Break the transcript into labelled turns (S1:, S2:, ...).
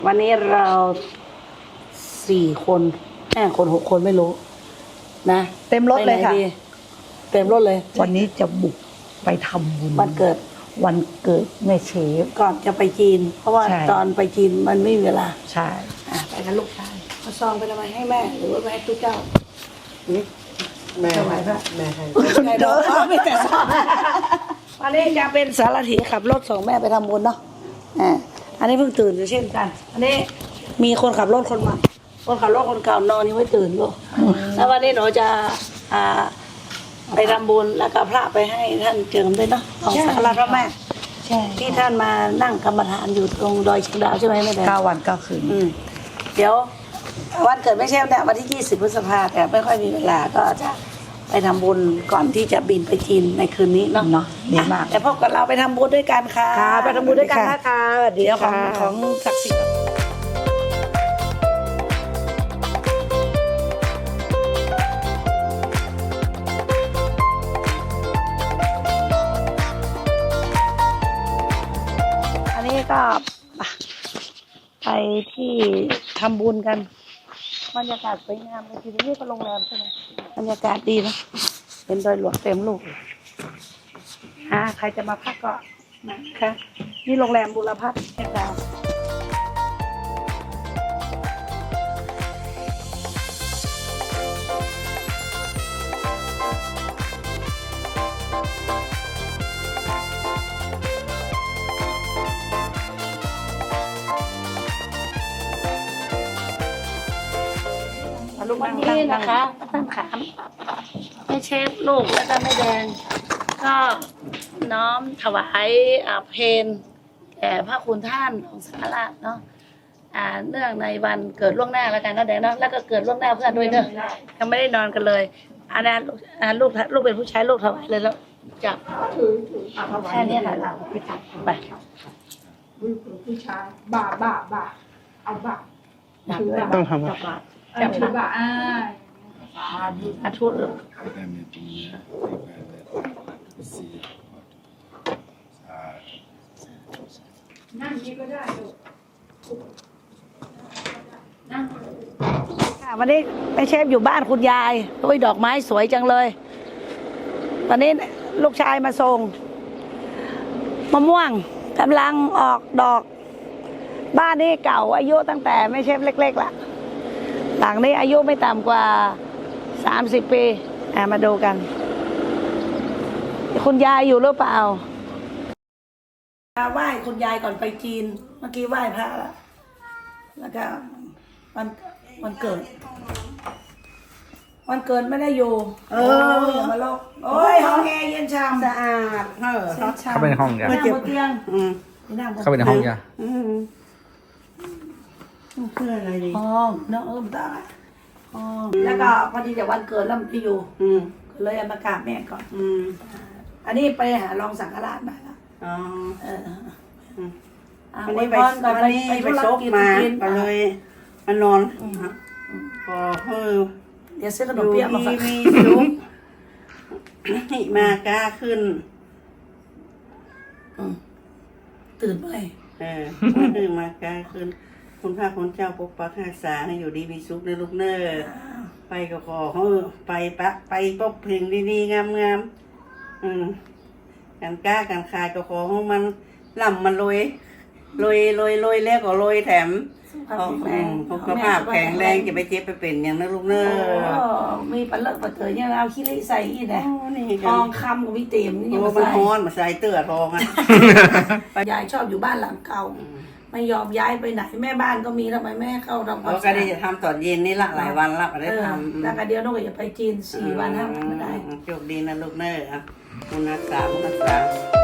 S1: วันนี้เรา4 คน5 คน6 คนไม่รู้นะ
S2: เต็มรถเลยค่ะ
S1: เต็มรถเลย
S2: วันนี้จะบุกไปทำบุญ
S1: วันเกิด
S2: แม่เชฟ
S1: ก่อนจะไปจีนเพราะว่าตอนไปจีนมันไม่มีเวลา
S2: ใช่
S1: ไปกับลูกชายเอาซองไปทำไมให้แม่หรือว่าไปให้ตุ๊กเจ้า
S3: แม่
S1: ถวายพระ
S3: แม่ให้
S1: เดี๋ยวไม่แต่ซองวันนี้จะเป็นสารถีขับรถส่งแม่ไปทำบุญเนาะอันนี้เพิ่งตื่นอยู่เช่นกันอันนี้มีคนขับรถคนใหม่คนขับรถคนเก่านอนยังไม่ตื่นลูกแล้ววันนี้หนูจะไปทำบุญแล้วก็พระไปให้ท่านเจิมด้วยเนาะของสักการะพระแม่ที่ท่านมานั่งกรรมฐานอยู่ตรงดอยเชียงดาวใช่ไหมแม่แดง
S2: 9 วัน 9 คืน
S1: เดี๋ยววันเกิดไม่ใช่เนี่ยวันที่20 พฤษภาแต่ไม่ค่อยมีเวลาก็จะไปทำบุญก่อนที่จะบินไปจีนในคืนนี้เนาะ
S2: ดีมาก
S1: แต่พบกับเราไปทำบุญด้วยกันค่ะ
S2: ไปทำบุญด้วยกันนะคะ
S1: เดี๋ยวของศักดิ์สิทธิ์ก็ไปที่ทำบุญกันบรรยากาศสวยงามเลยทีนี้ก็โรงแรมใช่ไหมบรรยากาศดีนะเป็นดอยหลวงเต็มลูกใครจะมาพักก็นะคะนี่โรงแรมบุรพัฒน์แห่งดาววันนี้นะคะท่านขามแม่เชฟลูกแล้วก็แม่แดงก็น้อมถวายเพลแก่พระคุณท่านของสังฆราชเนาะเนื่องในวันเกิดล่วงหน้าแล้วกันเนาะแดงเนาะแล้วก็เกิดล่วงหน้าเพื่อนด้วยเนอะยังไม่ได้นอนกันเลยอันนั้นลูกเป็นผู้ชายลูกถวายเลยแล้วจับแค่นี้ค่ะเราไป
S4: ผู้ชายบ่าเอาบ่า
S3: ต้องทำ
S4: จับบ่า
S1: ทุด
S4: นั่งนี้ก็ได้
S1: วันนี้แม่เชฟอยู่บ้านคุณยายด้วยดอกไม้สวยจังเลยตอนนี้ลูกชายมาส่งมะม่วงกำลังออกดอกบ้านนี้เก่าอายุตั้งแต่แม่เชฟเล็กๆละหลังนี้อายุไม่ต่ำกว่า30 ปีมาดูกันคุณยายอยู่หรือเปล่าไหว้คุณยายก่อนไปจีนเมื่อกี้ไหว้พระแล้วก็วันเกิดไม่ได้อยู่อย่ามาลอกโอ้ยห้องแอร์เย็นชาม
S4: สะอาด
S3: เข้าไปในห้องยา
S1: นั่งบนเตียง
S3: เข้าไปในห้องยา
S4: เพื่ออะไรดี
S1: ห้องเนาะตาแล้วก็พอดีจะวันเกิดแล้วมันที่อยู่เลยมากราบแม่ก่อนอันนี้ไปหารองสังฆราชมาแล้ว
S4: วันนี้ไปซกมาก็เลยมานอนพอ
S1: เดี๋ยวซื้อขนมเปี๊ยะมาฝาก
S4: มีลุกมากล้าขึ้น
S1: ตื่นไป
S4: มากล้าขึ้นคุณพระคุณเจ้าปกปักรักษาให้อยู่ดีมีสุขในลูกเนอไปก็ขอไปปกเพลงดีๆงามกันกล้ากันคายก็ขอให้มันล่ำมันลอยแล้วก็ลอยแถมสุขภาพแข็งแรงจะไปเจ็บไปเป็นอย่างนั้นลูกเนอ
S1: มีปลาเลิกปลาเตยยังเอาขี้เล็กใส่อีกนะทองคำกับวิเต็มนี่
S4: มันฮ้อนมาใส่เตื้อทอง
S1: ยายชอบอยู่บ้านหลังเก่าไม่ยอมย้ายไปไหนแม่บ้านก็มีทำไมแม่เข้าทำ
S4: ก็ได้จะทำตอนเย็นนี่ละหลายวันละได้ทำ
S1: แล้วก็เดี๋ยวน้องก็จะไปจีน4 วัน5 วันไม่ได้
S4: โชคดีนะลูกเนอคุณรักษา